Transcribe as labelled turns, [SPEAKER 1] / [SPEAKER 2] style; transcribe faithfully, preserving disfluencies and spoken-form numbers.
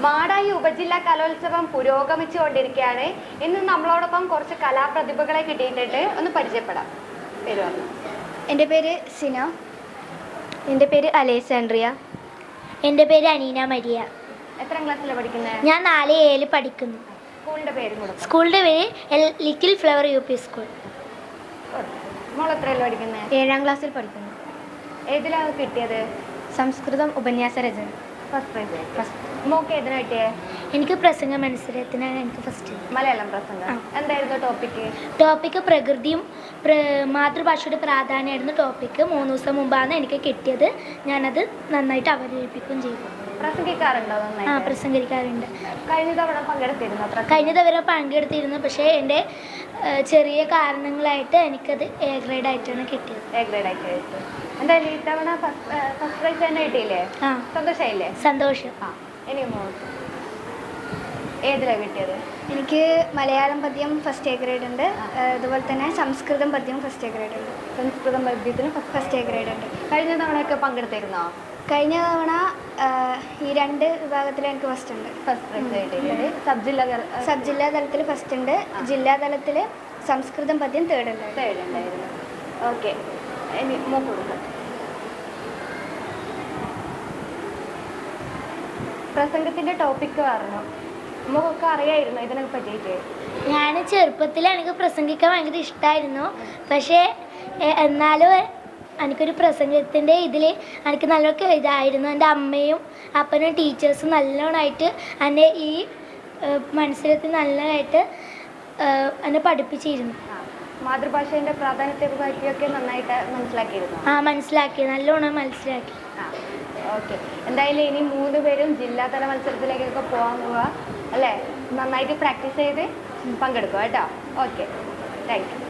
[SPEAKER 1] മാടായി ഉപജില്ലാ കലോത്സവം പുരോഗമിച്ചുകൊണ്ടിരിക്കുകയാണ്. ഇന്ന് നമ്മളോടൊപ്പം കുറച്ച് കലാപ്രതിഭകളെ കിട്ടിയിട്ടുണ്ട്. ഒന്ന് പരിചയപ്പെടാം. പേര് പറഞ്ഞു.
[SPEAKER 2] എൻ്റെ പേര് സിന.
[SPEAKER 3] എൻ്റെ പേര് അലേസാൻഡ്രിയ.
[SPEAKER 4] എൻ്റെ പേര് അനീന മരിയ.
[SPEAKER 1] എത്രാം ക്ലാസ്സിലാണ് പഠിക്കുന്നത്?
[SPEAKER 4] ഞാൻ നാല് ഏഴിൽ പഠിക്കുന്നു.
[SPEAKER 1] സ്കൂളിൻ്റെ പേരും കൂടെ.
[SPEAKER 4] സ്കൂളിൻ്റെ പേര് L little flower U P school.
[SPEAKER 1] മോൾ എത്രയല്ലോ പഠിക്കുന്നത്?
[SPEAKER 3] ഏഴാം ക്ലാസ്സിൽ പഠിക്കുന്നു.
[SPEAKER 1] ഏതിലാണ് കിട്ടിയത്?
[SPEAKER 3] സംസ്കൃതം ഉപന്യാസ രചന.
[SPEAKER 1] First prize. ഫസ്റ്റ് മോക്ക് ഏതിനാ കിട്ടിയേ?
[SPEAKER 4] എനിക്ക് പ്രസംഗ മത്സരത്തിനാണ് എനിക്ക് ഫസ്റ്റ്.
[SPEAKER 1] മലയാളം പ്രസംഗം. എന്തായിരുന്നു ടോപ്പിക്ക്?
[SPEAKER 4] ടോപ്പിക്ക് പ്രകൃതിയും മാതൃഭാഷയുടെ പ്രാധാന്യമായിരുന്നു ടോപ്പിക്ക്. മൂന്ന് ദിവസം മുമ്പാണ് എനിക്ക് കിട്ടിയത്. ഞാനത് നന്നായിട്ട് അവതരിപ്പിക്കുകയും ചെയ്തു.
[SPEAKER 1] പ്രസംഗിക്കാറുണ്ടോ?
[SPEAKER 4] ആ,
[SPEAKER 1] നന്നായി
[SPEAKER 4] പ്രസംഗിക്കാറുണ്ട്.
[SPEAKER 1] കഴിഞ്ഞ തവണ പങ്കെടുത്തിരുന്നു?
[SPEAKER 4] കഴിഞ്ഞ തവണ പങ്കെടുത്തിരുന്നു. പക്ഷേ എൻ്റെ ചെറിയ കാരണങ്ങളായിട്ട് എനിക്കത് എ ഗ്രേഡ് ആയിട്ടാണ് കിട്ടിയത്.
[SPEAKER 1] എ ഗ്രേഡ് ആയിട്ട് കഴിച്ചു. എന്തായാലും ഈ തവണ ഫസ്റ്റ് പ്രൈസ് തന്നെ കിട്ടിയില്ലേ?
[SPEAKER 4] ആ,
[SPEAKER 1] സന്തോഷമായില്ലേ?
[SPEAKER 4] സന്തോഷം.
[SPEAKER 1] ആ, ഇനി മോൾക്ക് ഏതിലാണ് കിട്ടിയത്?
[SPEAKER 2] എനിക്ക് മലയാളം പദ്യം ഫസ്റ്റ് എ ഗ്രേഡ് ഉണ്ട്. അതുപോലെ തന്നെ സംസ്കൃതം പദ്യം ഫസ്റ്റ് എ ഗ്രേഡ് ഉണ്ട്.
[SPEAKER 1] സംസ്കൃതം പദ്യത്തിന്
[SPEAKER 2] ഫസ്റ്റ് എ ഗ്രേഡ് ഉണ്ട്.
[SPEAKER 1] കഴിഞ്ഞ തവണയൊക്കെ പങ്കെടുത്തിരുന്നോ?
[SPEAKER 2] കഴിഞ്ഞ തവണ ഈ രണ്ട് വിഭാഗത്തിൽ എനിക്ക് ഫസ്റ്റ് ഉണ്ട്.
[SPEAKER 1] ഫസ്റ്റ് പ്രൈസ് കിട്ടിയിട്ടുണ്ട്. സബ് ജില്ലാ
[SPEAKER 2] സബ് ജില്ലാ തലത്തിൽ ഫസ്റ്റ് ഉണ്ട്. ജില്ലാ തലത്തിൽ സംസ്കൃതം പദ്യം തേർഡ് ഉണ്ട്.
[SPEAKER 1] തേർഡ് ഉണ്ടായിരുന്നു. ഓക്കെ, ഇനി മോക്ക് കൊടുക്കാം. പ്രസംഗത്തിന്റെ ടോപ്പിക്ക് പറഞ്ഞു. നമുക്കൊക്കെ അറിയായിരുന്നു ഇതിനെ പറ്റിയിട്ട്?
[SPEAKER 4] ഞാൻ ചെറുപ്പത്തിൽ എനിക്ക് പ്രസംഗിക്കാൻ ഭയങ്കര ഇഷ്ടമായിരുന്നു. പക്ഷേ എന്നാലും എനിക്കൊരു പ്രസംഗത്തിൻ്റെ ഇതിൽ എനിക്ക് നല്ലൊക്കെ ഇതായിരുന്നു. എൻ്റെ അമ്മയും അപ്പനും ടീച്ചേഴ്സും നല്ലോണമായിട്ട് എന്നെ ഈ മത്സരത്തിൽ നല്ലതായിട്ട് എന്നെ പഠിപ്പിച്ചിരുന്നു.
[SPEAKER 1] മാതൃഭാഷേൻ്റെ പ്രാധാന്യത്തെ പറ്റിയൊക്കെ നന്നായിട്ട് മനസ്സിലാക്കിയിരുന്നു?
[SPEAKER 4] ആ, മനസ്സിലാക്കി, നല്ലോണം മനസ്സിലാക്കി.
[SPEAKER 1] ആ, ഓക്കെ. എന്തായാലും ഇനി മൂന്ന് പേരും ജില്ലാതല മത്സരത്തിലേക്കൊക്കെ പോകാൻ പോവുക അല്ലേ? നന്നായിട്ട് പ്രാക്ടീസ് ചെയ്ത് പങ്കെടുക്കുക കേട്ടോ. Okay, thank U.